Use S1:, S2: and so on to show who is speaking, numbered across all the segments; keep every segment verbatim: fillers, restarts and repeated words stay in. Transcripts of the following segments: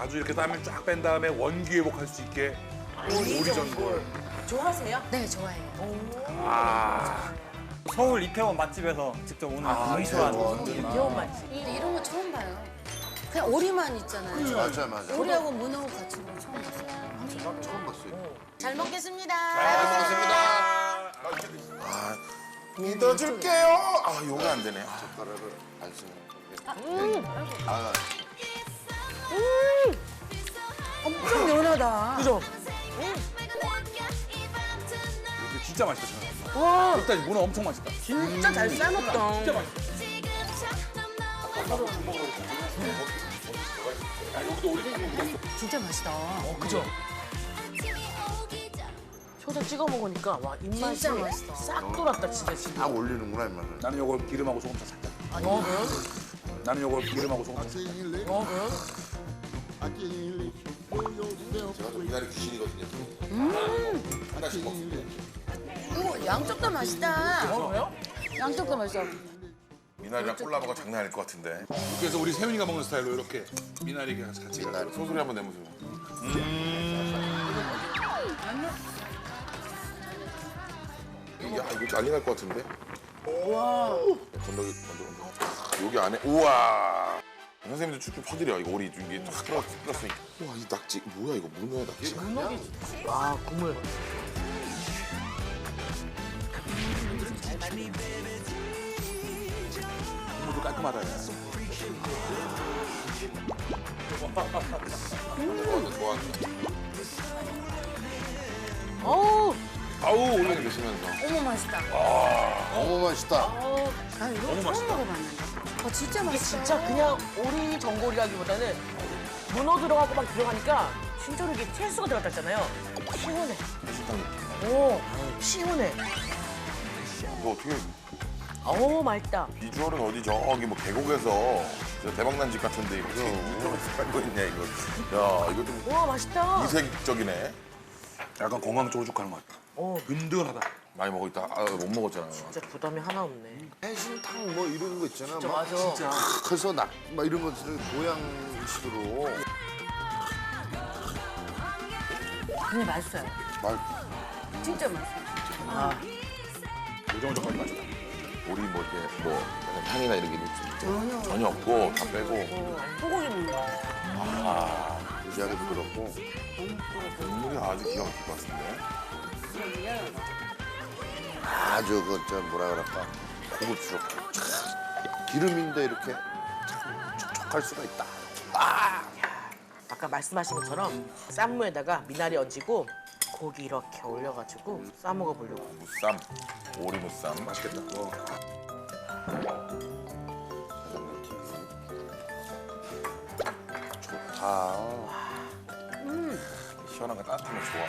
S1: 아주 이렇게 땀을 쫙 뺀 다음에 원기 회복할 수 있게 오리전골.
S2: 좋아하세요?
S3: 네, 좋아해요.
S1: 아,
S4: 서울 이태원 맛집에서 직접 오는 강추한
S2: 귀여운 맛집.
S3: 근데 이런 거 처음 봐요. 그냥 오리만 있잖아요.
S5: 맞아 맞아.
S3: 오리하고 문어하고 같이 먹는 거 처음 봤어요.
S5: 처음 봤어요.
S3: 잘 먹겠습니다.
S5: 잘 먹겠습니다. 아, 믿어줄게요. 아, 요거 안 되네. 젓가락을 안 쓰네. 음. 아,
S3: 엄청 연하다.
S2: 그죠?
S1: 이거 진짜 맛있다. 저는.
S2: 와,
S1: 일단 문어 엄청 맛있다.
S2: 진짜 잘 삶았다.
S1: 진짜 맛있다.
S3: 진짜 맛있다.
S2: 그죠? 초장 찍어 먹으니까 와 입맛이
S3: 진짜 맛있다.
S2: 싹 돌았다 진짜 지금.
S5: 딱 올리는구나 이만은.
S1: 나는 요걸 기름하고 소금차 살짝.
S2: 어,
S1: 나는 요걸 기름하고 소금차 살짝.
S2: 어,
S5: 제가 좀 미나리 귀신이거든요. 하나씩 먹는데.
S3: 오, 양쪽 다 맛있다.
S2: 어, 왜요?
S3: 양쪽 다 맛있어.
S5: 미나리랑 콜라보가 장난 아닐 것 같은데.
S1: 그래서 우리 세윤이가 먹는 스타일로 이렇게 미나리 같이 같이.
S5: 미나리 소소리 한번 내보세요. 야, 이거 난리 날 것 같은데?
S2: 와,
S5: 건더기, 건더기. 여기 안에, 우와! 선생님도 쭉쭉 퍼드려. 이거 오리 이게 탁 들어- 들었으니까. 우와, 이 낙지, 뭐야, 이거 문어야, 낙지.
S2: 와 국물.
S1: 국물도 깔끔하다. 야.
S5: 좋아한다, 좋아한다.
S2: 어우,
S1: 아우
S5: 올려 드시면서.
S3: 어머, 맛있다.
S5: 너무 맛있다.
S3: 나 이거
S1: 너무
S3: 처음
S1: 맛있다.
S3: 먹어봤는데. 어, 진짜
S2: 이게
S3: 맛있어.
S2: 진짜 그냥 오리 전골이라기보다는 문어 들어가고 막 들어가니까 진짜로 이게 채소가 들어갔잖아요. 시원해. 오, 시원해.
S5: 너 어떻게,
S2: 어우 맛있다.
S5: 비주얼은 어디 저기 뭐 계곡에서 저 대박난 집 같은데 이거 이쪽에서 살고 있냐, 이거. 야, 이거 좀
S2: 와 맛있다.
S5: 이색적이네.
S1: 약간 건강 쪽으로 쭉 가는 것 같다.
S2: 어,
S1: 든든하다.
S5: 많이 먹고 있다. 아, 못 먹었잖아요.
S2: 진짜 부담이 하나 없네.
S5: 해신탕 뭐 이런 거 있잖아.
S2: 진짜
S5: 막
S2: 맞아.
S1: 진짜.
S5: 커서 낙, 막 이런 것들을 보양식으로.
S3: 근데 맛있어요.
S5: 말,
S3: 진짜 맛있어요.
S1: 요정조까지 맛있다.
S5: 우리 뭐 이렇게 뭐 약간 향이나 이런 게 전혀, 전혀 없고 다 빼고
S2: 소고기 먹는 거.
S5: 무지하게 부드럽고 국물이 아주 기가 막힐 것 같은데. 아주 그저 뭐라 그럴까 고급스럽고 촥 기름인데 이렇게 참 촉촉할 수가 있다.
S2: 아까 말씀하신 것처럼 쌈무에다가 미나리 얹고 고기 이렇게 올려가지고 싸 먹어보려고.
S5: 무쌈, 오리 무쌈 맛있겠다. 어. 좋다. 음. 시원한 거 따뜻하면 좋아.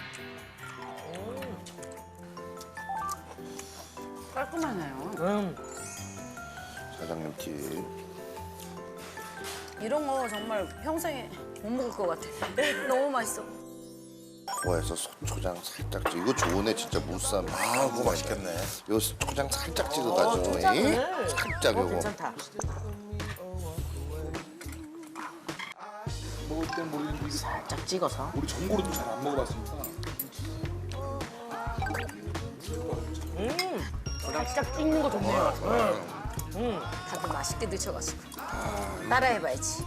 S3: 깔끔하네요.
S2: 음,
S5: 사장님 팁.
S3: 이런 거 정말 평생에 못 먹을 것 같아. 너무 맛있어.
S5: 코에서 초장 살짝 찍. 이거 좋네 진짜 무쌈. 아 그거 맛있겠네. 요 초장 살짝 찍어가지고
S2: 초장을.
S5: 이? 살짝
S2: 어,
S5: 요거.
S2: 괜찮다.
S1: 먹을 땐 모르겠는데 이게
S2: 살짝 찍어서.
S1: 우리 전골은 잘 안 먹어봤으니까.
S2: 음, 살짝 찍는 거 좋네요. 음,
S3: 다들 맛있게 드셔가지고. 따라해봐야지.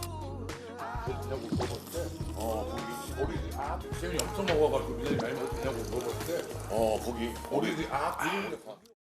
S1: 세윤이 엄청 먹어가지고 미나리 많이 먹어도 되냐고 물어봤을 때
S5: 어 거기
S1: 어린이들이 아 그런 게 다.